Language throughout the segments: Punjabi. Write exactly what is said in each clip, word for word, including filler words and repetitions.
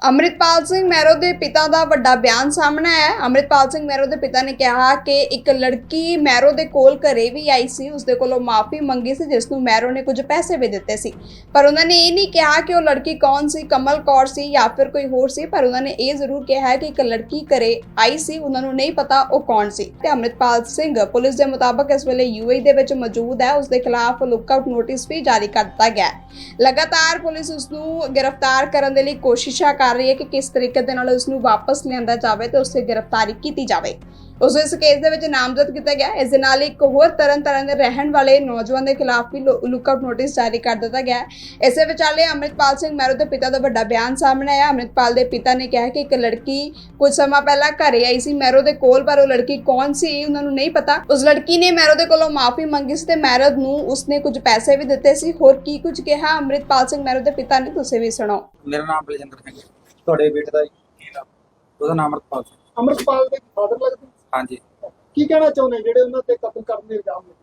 ਅੰਮ੍ਰਿਤਪਾਲ ਸਿੰਘ ਮਹਿਰੋ ਦੇ ਪਿਤਾ ਦਾ ਵੱਡਾ ਬਿਆਨ ਸਾਹਮਣੇ ਆਇਆ ਹੈ। ਅੰਮ੍ਰਿਤਪਾਲ ਸਿੰਘ ਮਹਿਰੋ ਦੇ ਪਿਤਾ ਨੇ ਕਿਹਾ ਕਿ ਇੱਕ ਲੜਕੀ ਮਹਿਰੋ ਦੇ ਕੋਲ ਘਰੇ ਵੀ ਆਈ ਸੀ, ਉਸਦੇ ਕੋਲੋਂ ਮਾਫੀ ਮੰਗੀ ਸੀ, ਜਿਸ ਨੂੰ ਮਹਿਰੋ ਨੇ ਕੁਝ ਪੈਸੇ ਵੀ ਦਿੱਤੇ ਸੀ। ਪਰ ਉਹਨਾਂ ਨੇ ਇਹ ਨਹੀਂ ਕਿਹਾ ਕਿ ਉਹ ਲੜਕੀ ਕੌਣ ਸੀ, ਕਮਲ ਕੌਰ ਸੀ ਜਾਂ ਫਿਰ ਕੋਈ ਹੋਰ ਸੀ। ਪਰ ਉਹਨਾਂ ਨੇ ਇਹ ਜ਼ਰੂਰ ਕਿਹਾ ਹੈ ਕਿ ਇੱਕ ਲੜਕੀ ਘਰੇ ਆਈ ਸੀ, ਉਹਨਾਂ ਨੂੰ ਨਹੀਂ ਪਤਾ ਉਹ ਕੌਣ ਸੀ। ਤੇ ਅੰਮ੍ਰਿਤਪਾਲ ਸਿੰਘ ਪੁਲਿਸ ਦੇ ਮੁਤਾਬਕ ਇਸ ਵੇਲੇ ਯੂਏਈ ਦੇ ਵਿੱਚ ਮੌਜੂਦ ਹੈ। ਉਸ ਦੇ ਖਿਲਾਫ ਲੁੱਕਆਊਟ ਨੋਟਿਸ ਵੀ ਜਾਰੀ ਕਰ ਦਿੱਤਾ ਗਿਆ ਹੈ। ਲਗਾਤਾਰ ਪੁਲਿਸ ਉਸ ਨੂੰ ਗ੍ਰਿਫਤਾਰ ਕਰਨ ਦੇ ਲਈ ਕੋਸ਼ਿਸ਼ਾਂ ਕਰ ਰਹੀ ਹੈ ਕਿ ਕਿਸ ਤਰੀਕੇ ਦੇ ਨਾਲ ਉਸ ਨੂੰ ਵਾਪਸ ਲਿਆਂਦਾ ਜਾਵੇ ਤੇ ਉਸ ਤੇ ਗ੍ਰਿਫਤਾਰੀ ਕੀਤੀ ਜਾਵੇ। ਉਸ ਇਸ ਕੇਸ ਦੇ ਵਿੱਚ ਨਾਮਜ਼ਦ ਕੀਤਾ ਗਿਆ। ਇਸ ਦੇ ਨਾਲ ਇੱਕ ਹੋਰ ਤਰਨ ਤਾਰਨ ਦੇ ਰਹਿਣ ਵਾਲੇ ਨੌਜਵਾਨ ਦੇ ਖਿਲਾਫ ਵੀ ਲੁੱਕਆਊਟ ਨੋਟਿਸ ਜਾਰੀ ਕਰ ਦਿੱਤਾ ਗਿਆ ਹੈ। ਇਸੇ ਵਿਚਾਲੇ ਅੰਮ੍ਰਿਤਪਾਲ ਸਿੰਘ ਮਹਿਰੋ ਦੇ ਪਿਤਾ ਦਾ ਵੱਡਾ ਬਿਆਨ ਸਾਹਮਣੇ ਆਇਆ। ਅੰਮ੍ਰਿਤਪਾਲ ਦੇ ਪਿਤਾ ਨੇ ਕਿਹਾ ਕਿ ਇੱਕ ਲੜਕੀ ਕੁਝ ਸਮਾਂ ਪਹਿਲਾਂ ਘਰੇ ਆਈ ਸੀ ਮਹਿਰੋ ਦੇ ਕੋਲ, ਪਰ ਉਹ ਲੜਕੀ ਕੌਣ ਸੀ ਉਹਨਾਂ ਨੂੰ ਨਹੀਂ ਪਤਾ। ਉਸ ਲੜਕੀ ਨੇ ਮਹਿਰੋ ਦੇ ਕੋਲੋਂ ਮਾਫੀ ਮੰਗੀ ਸੀ ਤੇ ਮਹਿਰੋ ਨੂੰ ਉਸਨੇ ਕੁਝ ਪੈਸੇ ਵੀ ਦਿੱਤੇ ਸੀ। ਹੋਰ ਕੀ ਕੁਝ ਕਿਹਾ ਅੰਮ੍ਰਿਤਪਾਲ ਸਿੰਘ ਮਹਿਰੋ ਦੇ ਪਿਤਾ ਨੇ, ਤੁਸੀਂ ਵੀ ਸੁਣੋ। ਮੇਰਾ ਨਾਮ ਬਲਜਿੰਦਰ ਸਿੰਘ ਹੈ। ਤੁਹਾਡੇ ਬੇਟੇ ਦਾ ਕੀ ਨਾਮ? ਉਹਦਾ ਨਾਮ ਅਮਰਪਾਲ ਸਿੰਘ। ਅਮਰਪਾਲ ਦੇ ਫਾਦਰ ਲੱਗਦੇ? ਹਾਂਜੀ। ਕੀ ਕਹਿਣਾ ਚਾਹੁੰਦੇ ਜਿਹੜੇ ਉਹਨਾਂ ਤੇ ਕਤਲ ਕਰਨ ਦੇ ਇਲਜ਼ਾਮ ਲੱਗੇ?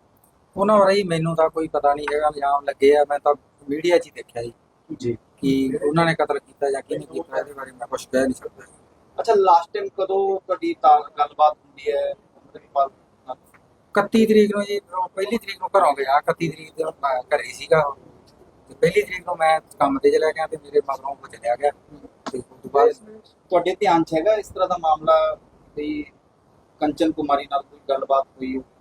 ਉਹਨਾਂ ਬਾਰੇ ਹੀ ਮੈਨੂੰ ਤਾਂ ਕੋਈ ਪਤਾ ਨਹੀਂ ਹੈਗਾ, ਇਲਜ਼ਾਮ ਲੱਗੇ ਆ। ਮੈਂ ਤਾਂ ਮੀਡੀਆ 'ਚ ਹੀ ਦੇਖਿਆ ਜੀ ਜੀ ਕਿ ਉਹਨਾਂ ਨੇ ਕਤਲ ਕੀਤਾ ਜਾਂ ਕਿਹਨੇ ਕੀਤਾ, ਇਹਦੇ ਬਾਰੇ ਮੈਂ ਕੁਝ ਕਹਿ ਨਹੀਂ ਸਕਦਾ। ਅੱਛਾ, ਲਾਸਟ ਟਾਈਮ ਕਦੋਂ ਤੁਹਾਡੀ ਤਾਂ ਗੱਲਬਾਤ ਹੁੰਦੀ ਹੈ ਅਮਰਿਤਪਾਲ ਨਾਲ? ਇਕੱਤੀ ਤਰੀਕ ਨੂੰ ਜੀ, ਉਹ ਪਹਿਲੀ ਤਰੀਕ ਨੂੰ ਘਰੋਂ ਗਿਆ। ਇਕੱਤੀ ਤਰੀਕ ਦੇ ਮੈਂ ਘਰੇ ਹੀ ਸੀਗਾ ਤੇ ਪਹਿਲੀ ਤਰੀਕ ਨੂੰ ਮੈਂ ਕੰਮ ਤੇ ਚਲਾ ਗਿਆ ਤੇ ਮੇਰੇ ਮਗਰੋਂ ਉਹ ਚਲਿਆ ਗਿਆ ਤੇ ਉਸ ਤੋਂ ਬਾਅਦ ਤੁਹਾਡੇ ਧਿਆਨ 'ਚ ਹੈਗਾ ਇਸ ਤਰ੍ਹਾਂ ਦਾ ਮਾਮਲਾ ਵੀ ਕੰਚਨ ਕੁਮਾਰੀ ਨਾਲ ਕੋਈ ਗੱਲਬਾਤ ਹੋਈ ਹੋ?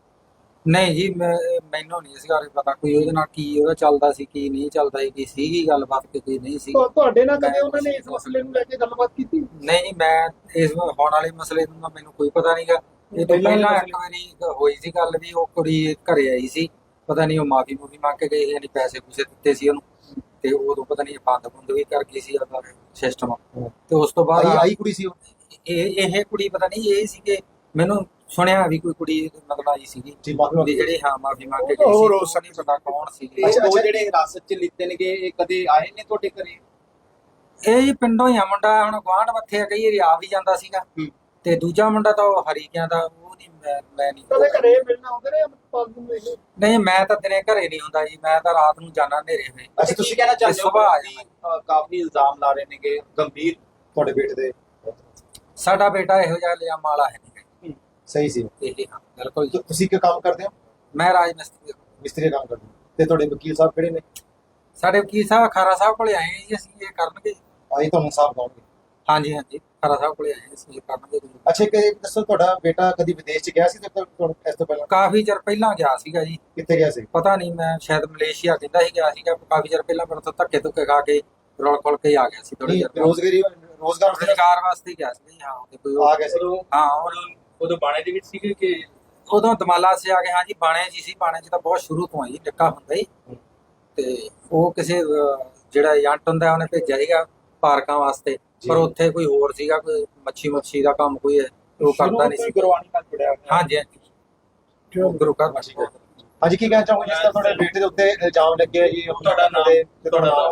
ਨਹੀਂ ਜੀ, ਮੈਂ ਮੈਨੂੰ ਨਹੀਂ ਇਸ ਬਾਰੇ ਪਤਾ ਕੋਈ ਉਹਦੇ ਨਾਲ ਕੀ ਉਹਦਾ ਚੱਲਦਾ ਸੀ, ਕੀ ਨਹੀਂ ਚੱਲਦਾ ਸੀ, ਕੀ ਸੀਗੀ ਗੱਲਬਾਤ ਕਿ ਕੀ ਨਹੀਂ ਸੀ। ਤੁਹਾ- ਤੁਹਾਡੇ ਨਾਲ ਕਦੇ ਉਹਨਾਂ ਨੇ ਇਸ ਮਸਲੇ ਨੂੰ ਲੈ ਕੇ ਗੱਲਬਾਤ ਕੀਤੀ? ਨਹੀਂ ਜੀ, ਮੈਂ ਇਸ ਹੋਣ ਵਾਲੇ ਮਸਲੇ ਦਾ ਮੈਨੂੰ ਕੋਈ ਪਤਾ ਨਹੀਂਗਾ। ਇਹ ਤੋਂ ਪਹਿਲਾਂ ਇੱਕ ਵਾਰੀ ਹੋਈ ਸੀ ਗੱਲ ਵੀ ਉਹ ਕੁੜੀ ਘਰੇ ਆਈ ਸੀ, ਪਤਾ ਨਹੀਂ ਉਹ ਮਾਫੀ ਮੂਫੀ ਮੰਗ ਕੇ ਗਈ, ਯਾਨੀ ਪੈਸੇ ਪੂਸੇ ਦਿੱਤੇ ਸੀ ਉਹਨੂੰ ਤੇ ਉਦੋਂ ਪਤਾ ਨਹੀਂ ਬੰਦ ਬੰਦ ਵੀ ਕਰ ਗਈ ਸੀ ਉਹਦਾ ਸਿਸਟਮ। ਤੇ ਉਸ ਤੋਂ ਬਾਅਦ ਆਈ ਆਈ ਕੁੜੀ ਸੀ ਉਹ? ਇਹ ਇਹ ਕੁੜੀ ਪਤਾ ਨਹੀਂ ਇਹ ਸੀ ਕਿ ਮੈਨੂੰ ਸੁਣਿਆ ਵੀ ਕੋਈ ਕੁੜੀ ਮਤਲਬ ਆਈ ਸੀਗੀ ਜੀ ਮਾਫੀ ਵੀ ਜਿਹੜੀ ਹਾਂ ਮਾਫੀ ਮੰਗ ਕੇ ਗਈ ਸੀ, ਉਹ ਨਹੀਂ ਪਤਾ ਕੌਣ ਸੀ। ਤੇ ਉਹ ਜਿਹੜੇ ਹਿਰਾਸਤ 'ਚ ਲਿੱਤੇ ਨੇਗੇ ਇਹ ਕਦੇ ਆਏ ਨੇ ਤੁਹਾਡੇ ਘਰੇ? ਇਹ ਜੀ ਪਿੰਡੋਂ ਹੀ ਆ ਮੁੰਡਾ, ਹੁਣ ਗੁਆਂਢ ਮੱਥੇ ਆ, ਕਈ ਵਾਰੀ ਆ ਵੀ ਜਾਂਦਾ ਸੀਗਾ। ਤੇ ਦੂਜਾ ਮੁੰਡਾ ਤਾਂ ਉਹ ਹਰੀਕਿਆਂ ਦਾ, ਉਹ ਨਹੀਂ ਮੈਂ ਮੈਂ ਨਹੀਂ ਕਦੇ ਘਰੇ ਮਿਲਣਾ ਆਉਂਦੇ ਨੇ ਅਮਰਪਾਲ ਨੂੰ ਇਹ? ਨਹੀਂ, ਮੈਂ ਤਾਂ ਦਿਨੇ ਘਰੇ ਨਹੀਂ ਹੁੰਦਾ ਜੀ, ਮੈਂ ਤਾਂ ਰਾਤ ਨੂੰ ਜਾਣਾ ਹਨੇਰੇ ਹੋਏ। ਅੱਛਾ, ਤੁਸੀਂ ਕਹਿਣਾ ਚਾਹੁੰਦੇ ਹੋ ਸੁਬਾਹ ਆ ਕਿ ਅ, ਕਾਫੀ ਇਲਜ਼ਾਮ ਲਾ ਰਹੇ ਨੇਗੇ ਗੰਭੀਰ ਤੁਹਾਡੇ ਬੇਟੇ ਦੇ? ਸਾਡਾ ਬੇਟਾ ਇਹੋ ਜਿਹਾ ਇਲਜ਼ਾਮ ਵਾਲਾ ਹੈ ਨਹੀਂ। ਸਹੀ ਸੀ? ਇਹ ਹਾਂ ਬਿਲਕੁਲ ਜੀ। ਤੁਸੀਂ ਕੀ ਕੰਮ ਕਰਦੇ ਹੋ? ਮੈਂ ਰਾਜ ਮਿਸਤਰੀ ਹਾਂ। ਮਿਸਤਰੀ ਦਾ ਕੰਮ ਕਰਦੇ ਹੋ ਤੇ ਤੁਹਾਡੇ ਵਕੀਲ ਸਾਹਿਬ ਕਿਹੜੇ ਨੇ? ਸਾਡੇ ਵਕੀਲ ਸਾਹਿਬ ਖਾਰਾ ਸਾਹਿਬ ਕੋਲੇ ਆਏ ਹਾਂ ਜੀ, ਅਸੀਂ ਇਹ ਕਰਨਗੇ। ਆਈ ਤੁਹਾਨੂੰ ਸਾਹਿਬ ਕਹੋਗੇ? ਹਾਂਜੀ ਹਾਂਜੀ, ਖਾਰਾ ਸਾਹਿਬ ਕੋਲੇ ਆਏ ਹਾਂ, ਅਸੀਂ ਇਹ ਕਰਨਗੇ। ਅੱਛਾ, ਕਿ ਦੱਸੋ ਤੁਹਾਡਾ ਬੇਟਾ ਕਦੀ ਵਿਦੇਸ਼ ਚ ਗਿਆ ਸੀ ਤੇ ਤੁਹਾਨੂੰ ਇਸ ਤੋਂ ਪਹਿਲਾਂ? ਕਾਫੀ ਚਿਰ ਪਹਿਲਾਂ ਗਿਆ ਸੀਗਾ ਜੀ। ਕਿੱਥੇ ਗਿਆ ਸੀ? ਪਤਾ ਨਹੀਂ, ਮੈਂ ਸ਼ਾਇਦ ਮਲੇਸ਼ੀਆ ਕਹਿੰਦਾ ਸੀ ਗਿਆ ਸੀਗਾ ਕਾਫੀ ਚਿਰ ਪਹਿਲਾਂ, ਪਰ ਉੱਥੋਂ ਧੱਕੇ ਧੁੱਕੇ ਖਾ ਕੇ ਰੋਲ ਖੋਲ ਕੇ ਆ ਗਿਆ ਸੀ ਥੋੜੀ ਨਹੀਂ, ਚਿਰ। ਰੋਜ਼ਗਾਰੀ ਰੋਜ਼ਗਾਰ ਵਾਸਤੇ ਰੁਜ਼ਗਾਰ ਵਾਸਤੇ ਗਿਆ ਸੀ। ਹਾਂ ਤੇ ਕੋਈ ਆ ਗਿਆ ਸੀ? ਹਾਂ, ਉਦੋਂ ਉਦੋਂ ਬਾਣੇ ਦੇ ਵਿੱਚ ਸੀਗੇ ਕਿ ਉਦੋਂ ਦਮਾਲਾ ਸੇ ਆ ਗਏ। ਹਾਂ ਜੀ, ਬਾਣੇ ਜੀ ਸੀ। ਬਾਣੇ ਚ ਤਾਂ ਬਹੁਤ ਸ਼ੁਰੂ ਤੋਂ ਆਈ ਨਿੱਕਾ ਹੁੰਦਾ ਹੀ। ਤੇ ਉਹ ਕਿਸੇ ਅਹ, ਜਿਹੜਾ ਏਜੰਟ ਹੁੰਦਾ ਉਹਨੇ ਭੇਜਿਆ ਸੀਗਾ ਪਾਰਕਾਂ ਵਾਸਤੇ, ਪਰ ਉੱਥੇ ਕੋਈ ਹੋਰ ਸੀਗਾ, ਕੋਈ ਮੱਛੀ ਮੱਛੀ ਦਾ ਕੰਮ ਕੋਈ ਹੈ, ਉਹ ਕਰਦਾ ਨਹੀਂ ਸੀ। ਗੁਰਬਾਣੀ ਨਾਲ ਜੁੜਿਆ ਹੋਇਆ। ਹਾਂਜੀ ਹਾਂਜੀ, ਗੁਰੂ ਘਰ ਵਾਸੀ। ਹਾਂਜੀ, ਕੀ ਕਹਿਣਾ ਚਾਹੋਗੇ ਜਿਸ ਤਰ੍ਹਾਂ ਤੁਹਾਡੇ ਬੇਟੇ ਦੇ ਉੱਤੇ ਇਲਜ਼ਾਮ ਲੱਗੇ ਆ ਜੀ? ਤੁਹਾਡਾ ਨਾਮ ਤੇ ਤੁਹਾਡਾ ਨਾਮ?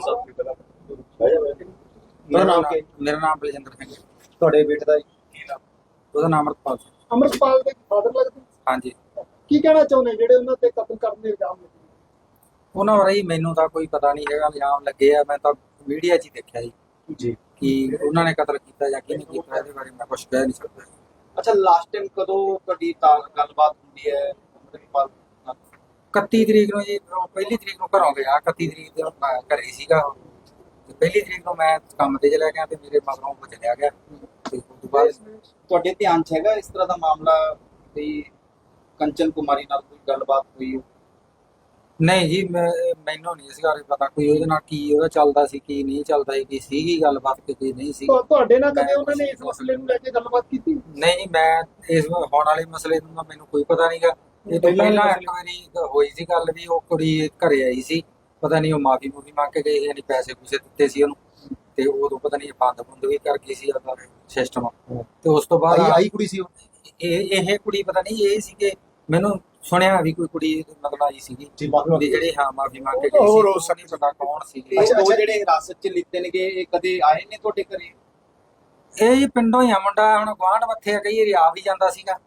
ਮੇਰਾ ਨਾਮ ਮੇਰਾ ਨਾਮ ਬਲਜਿੰਦਰ ਸਿੰਘ ਹੈ। ਤੁਹਾਡੇ ਬੇਟੇ ਦਾ ਕੀ ਨਾਮ? ਉਹਦਾ ਨਾਮ ਅਮਰਪਾਲ ਸਿੰਘ। ਅਮਰਪਾਲ ਦੇ ਫਾਦਰ ਲੱਗਦੇ? ਹਾਂਜੀ। ਕੀ ਕਹਿਣਾ ਚਾਹੁੰਦੇ ਜਿਹੜੇ ਉਹਨਾਂ ਤੇ ਕਤਲ ਕਰਨ ਦੇ ਇਲਜ਼ਾਮ ਲੱਗੇ? ਉਹਨਾਂ ਬਾਰੇ ਹੀ ਮੈਨੂੰ ਤਾਂ ਕੋਈ ਪਤਾ ਨਹੀਂ ਹੈਗਾ, ਇਲਜ਼ਾਮ ਲੱਗੇ ਆ। ਮੈਂ ਤਾਂ ਮੀਡੀਆ 'ਚ ਹੀ ਦੇਖਿਆ ਜੀ ਜੀ ਕਿ ਉਹਨਾਂ ਨੇ ਕਤਲ ਕੀਤਾ ਜਾਂ ਕਿਹਨੇ ਕੀਤਾ, ਇਹਦੇ ਬਾਰੇ ਮੈਂ ਕੁਝ ਕਹਿ ਨਹੀਂ ਸਕਦਾ। ਅੱਛਾ, ਲਾਸਟ ਟਾਈਮ ਕਦੋਂ ਤੁਹਾਡੀ ਤਾਂ ਗੱਲਬਾਤ ਹੁੰਦੀ ਹੈ ਅਮਰਿਤਪਾਲ ਨਾਲ? ਇਕੱਤੀ ਤਰੀਕ ਨੂੰ ਜੀ, ਉਹ ਪਹਿਲੀ ਤਰੀਕ ਨੂੰ ਘਰੋਂ ਗਿਆ। ਇਕੱਤੀ ਤਰੀਕ ਦੇ ਮੈਂ ਘਰੇ ਹੀ ਸੀਗਾ ਤੇ ਪਹਿਲੀ ਤਰੀਕ ਨੂੰ ਮੈਂ ਕੰਮ ਤੇ ਚਲਾ ਗਿਆ ਤੇ ਮੇਰੇ ਮਗਰੋਂ ਉਹ ਚਲਿਆ ਗਿਆ ਤੇ ਉਸ ਤੋਂ ਬਾਅਦ ਤੁਹਾਡੇ ਧਿਆਨ 'ਚ ਹੈਗਾ ਇਸ ਤਰ੍ਹਾਂ ਦਾ ਮਾਮਲਾ ਵੀ ਕੰਚਨ ਕੁਮਾਰੀ ਨਾਲ ਕੋਈ ਗੱਲਬਾਤ ਹੋਈ ਹੋ? ਨਹੀਂ ਜੀ, ਮੈਂ ਮੈਨੂੰ ਨਹੀਂ ਇਸ ਬਾਰੇ ਪਤਾ ਕੋਈ ਉਹਦੇ ਨਾਲ ਕੀ ਉਹਦਾ ਚੱਲਦਾ ਸੀ, ਕੀ ਨਹੀਂ ਚੱਲਦਾ ਸੀ, ਕੀ ਸੀਗੀ ਗੱਲਬਾਤ ਕਿ ਕੀ ਨਹੀਂ ਸੀ। ਤੁਹਾ- ਤੁਹਾਡੇ ਨਾਲ ਕਦੇ ਉਹਨਾਂ ਨੇ ਇਸ ਮਸਲੇ ਨੂੰ ਲੈ ਕੇ ਗੱਲਬਾਤ ਕੀਤੀ? ਨਹੀਂ ਜੀ, ਮੈਂ ਇਸ ਹੋਣ ਵਾਲੇ ਮਸਲੇ ਦਾ ਮੈਨੂੰ ਕੋਈ ਪਤਾ ਨਹੀਂਗਾ। ਇਹ ਤੋਂ ਪਹਿਲਾਂ ਇੱਕ ਵਾਰੀ ਹੋਈ ਸੀ ਗੱਲ ਵੀ ਉਹ ਕੁੜੀ ਘਰੇ ਆਈ ਸੀ, ਪਤਾ ਨਹੀਂ ਉਹ ਮਾਫੀ ਮੂਫੀ ਮੰਗ ਕੇ ਗਈ, ਯਾਨੀ ਪੈਸੇ ਪੂਸੇ ਦਿੱਤੇ ਸੀ ਉਹਨੂੰ ਤੇ ਉਦੋਂ ਪਤਾ ਨਹੀਂ ਬੰਦ ਬੰਦ ਵੀ ਕਰ ਗਈ ਸੀ ਉਹਦਾ ਸਿਸਟਮ। ਤੇ ਉਸ ਤੋਂ ਬਾਅਦ ਆਈ ਆਈ ਕੁੜੀ ਸੀ ਉਹ? ਇਹ ਇਹ ਕੁੜੀ ਪਤਾ ਨਹੀਂ ਇਹ ਸੀ ਕਿ ਮੈਨੂੰ ਸੁਣਿਆ ਵੀ ਕੋਈ ਕੁੜੀ ਮਤਲਬ ਆਈ ਸੀਗੀ ਜੀ ਮਾਫੀ ਵੀ ਜਿਹੜੀ ਹਾਂ ਮਾਫੀ ਮੰਗ ਕੇ ਗਈ ਸੀ, ਉਹ ਨਹੀਂ ਪਤਾ ਕੌਣ ਸੀ। ਤੇ ਉਹ ਜਿਹੜੇ ਹਿਰਾਸਤ 'ਚ ਲਿੱਤੇ ਨੇਗੇ ਇਹ ਕਦੇ ਆਏ ਨੇ ਤੁਹਾਡੇ ਘਰੇ? ਇਹ ਜੀ ਪਿੰਡੋਂ ਹੀ ਆ ਮੁੰਡਾ, ਹੁਣ ਗੁਆਂਢ ਮੱਥੇ ਆ, ਕਈ ਵਾਰੀ ਆ ਵੀ ਜਾਂਦਾ ਸੀਗਾ।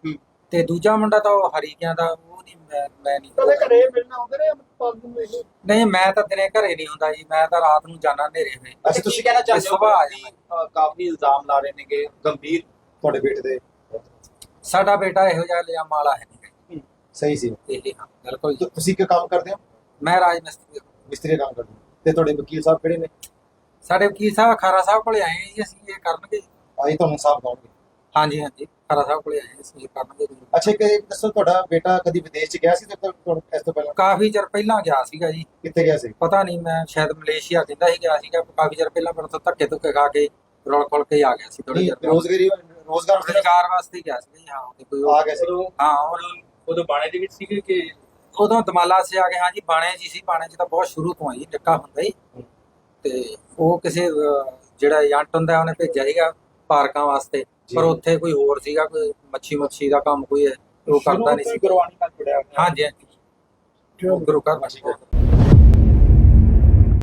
ਤੇ ਦੂਜਾ ਮੁੰਡਾ ਤਾਂ ਉਹ ਹਰੀਕਿਆਂ ਦਾ, ਉਹ ਨਹੀਂ ਮੈਂ ਮੈਂ ਨਹੀਂ ਕਦੇ ਘਰੇ ਮਿਲਣਾ ਆਉਂਦੇ ਨੇ ਅੰਮ੍ਰਿਤਪਾਲ ਨੂੰ ਇਹ? ਨਹੀਂ, ਮੈਂ ਤਾਂ ਦਿਨੇ ਘਰੇ ਨਹੀਂ ਹੁੰਦਾ ਜੀ, ਮੈਂ ਤਾਂ ਰਾਤ ਨੂੰ ਜਾਣਾ ਹਨੇਰੇ ਵੇ। ਅੱਛਾ ਤੁਸੀਂ ਕਹਿਣਾ ਚਾਹੁੰਦੇ ਹੋ ਸੁਬਾਹ ਆ ਕਿ ਅ, ਕਾਫੀ ਇਲਜ਼ਾਮ ਲਾ ਰਹੇ ਨੇਗੇ ਗੰਭੀਰ। ਤੁਹਾਡੇ ਬੇਟੇ ਦੇ ਸਾਡਾ ਬੇਟਾ ਇਹੋ ਜਿਹਾ ਇਲਜ਼ਾਮ ਵਾਲਾ ਹੈ ਨਹੀਂ ਸਹੀ ਸੀ? ਇਹ ਹਾਂ ਬਿਲਕੁਲ ਜੀ। ਤੁ- ਤੁਸੀਂ ਕੀ ਕੰਮ ਕਰਦੇ ਹੋ? ਮੈਂ ਰਾਜ ਮਿਸਤਰੀ, ਮਿਸਤਰੀ ਦਾ ਕੰਮ ਕਰਦੇ ਹੋ। ਤੇ ਤੁਹਾਡੇ ਵਕੀਲ ਸਾਹਿਬ ਕਿਹੜੇ ਨੇ? ਸਾਡੇ ਵਕੀਲ ਸਾਹਿਬ ਖਾਰਾ ਸਾਹਿਬ ਕੋਲੇ ਆਏ ਹਾਂ ਜੀ, ਅਸੀਂ ਇਹ ਕਰਨਗੇ। ਆਈ ਤੁਹਾਨੂੰ ਇਨਸਾਫ ਦਿਵਾਉਣਗੇ। ਹਾਂਜੀ ਹਾਂਜੀ, ਖਾਰਾ ਸਾਹਿਬ ਕੋਲੇ ਆਏ ਹਾਂ, ਅਸੀਂ ਇਹ ਕਰਨਗੇ। ਅੱਛਾ ਇੱਕ ਇਹ ਦੱਸੋ, ਤੁਹਾਡਾ ਬੇਟਾ ਕਦੀ ਵਿਦੇਸ਼ ਚ ਗਿਆ ਸੀ ਤੇ ਤੁਹਾਨੂੰ ਇਸ ਤੋਂ ਪਹਿਲਾਂ? ਕਾਫੀ ਚਿਰ ਪਹਿਲਾਂ ਗਿਆ ਸੀਗਾ ਜੀ, ਕਿੱਥੇ ਗਿਆ ਸੀ? ਪਤਾ ਨਹੀਂ, ਮੈਂ ਸ਼ਾਇਦ ਮਲੇਸ਼ੀਆ ਕਹਿੰਦਾ ਸੀ ਗਿਆ ਸੀਗਾ ਕਾਫੀ ਚਿਰ ਪਹਿਲਾਂ, ਪਰ ਉੱਥੋਂ ਧੱਕੇ ਧੁੱਕੇ ਖਾ ਕੇ ਰੋਲ ਖੋਲ ਕੇ ਆ ਗਿਆ ਸੀ ਥੋੜੀ ਨਹੀਂ, ਚਿਰ ਰੋਜ਼ਗਾਰੀ ਰੋਜ਼ਗਾਰ ਵਾਸਤੇ ਰੁਜ਼ਗਾਰ ਵਾਸਤੇ ਹੀ ਗਿਆ ਸੀ ਜੀ। ਹਾਂ ਉਹਦੇ ਕੋਈ ਆ ਗਿਆ ਸੀ। ਹਾਂ ਉਹ- ਉਦੋਂ ਬਾਣੇ ਦੇ ਵਿੱਚ ਸੀਗੇ ਕਿ ਉਦੋਂ ਦਮਾਲਾ ਸੇ ਆ ਗਏ। ਹਾਂਜੀ ਬਾਣੇ ਜੀ ਸੀ, ਬਾਣੇ ਚ ਤਾਂ ਬਹੁਤ ਸ਼ੁਰੂ ਤੋਂ ਆਈ ਨਿੱਕਾ ਹੁੰਦਾ ਹੀ। ਤੇ ਉਹ ਕਿਸੇ ਅਹ, ਜਿਹੜਾ ਏਜੰਟ ਹੁੰਦਾ ਉਹਨੇ ਭੇਜਿਆ ਸੀਗਾ ਪਾਰਕਾਂ ਵਾਸਤੇ, ਪਰ ਜੀ। ਉੱਥੇ ਕੋਈ ਹੋਰ ਸੀਗਾ, ਕੋਈ ਮੱਛੀ ਮੱਛੀ ਦਾ ਕੰਮ ਕੋਈ ਹੈ, ਉਹ ਕਰਦਾ ਨਹੀਂ ਸੀ। ਗੁਰਬਾਣੀ ਨਾਲ ਜੁੜਿਆ ਹੋਇਆ। ਹਾਂਜੀ ਹਾਂਜੀ, ਗੁਰੂ ਘਰ ਠੀਕ ਹੈ।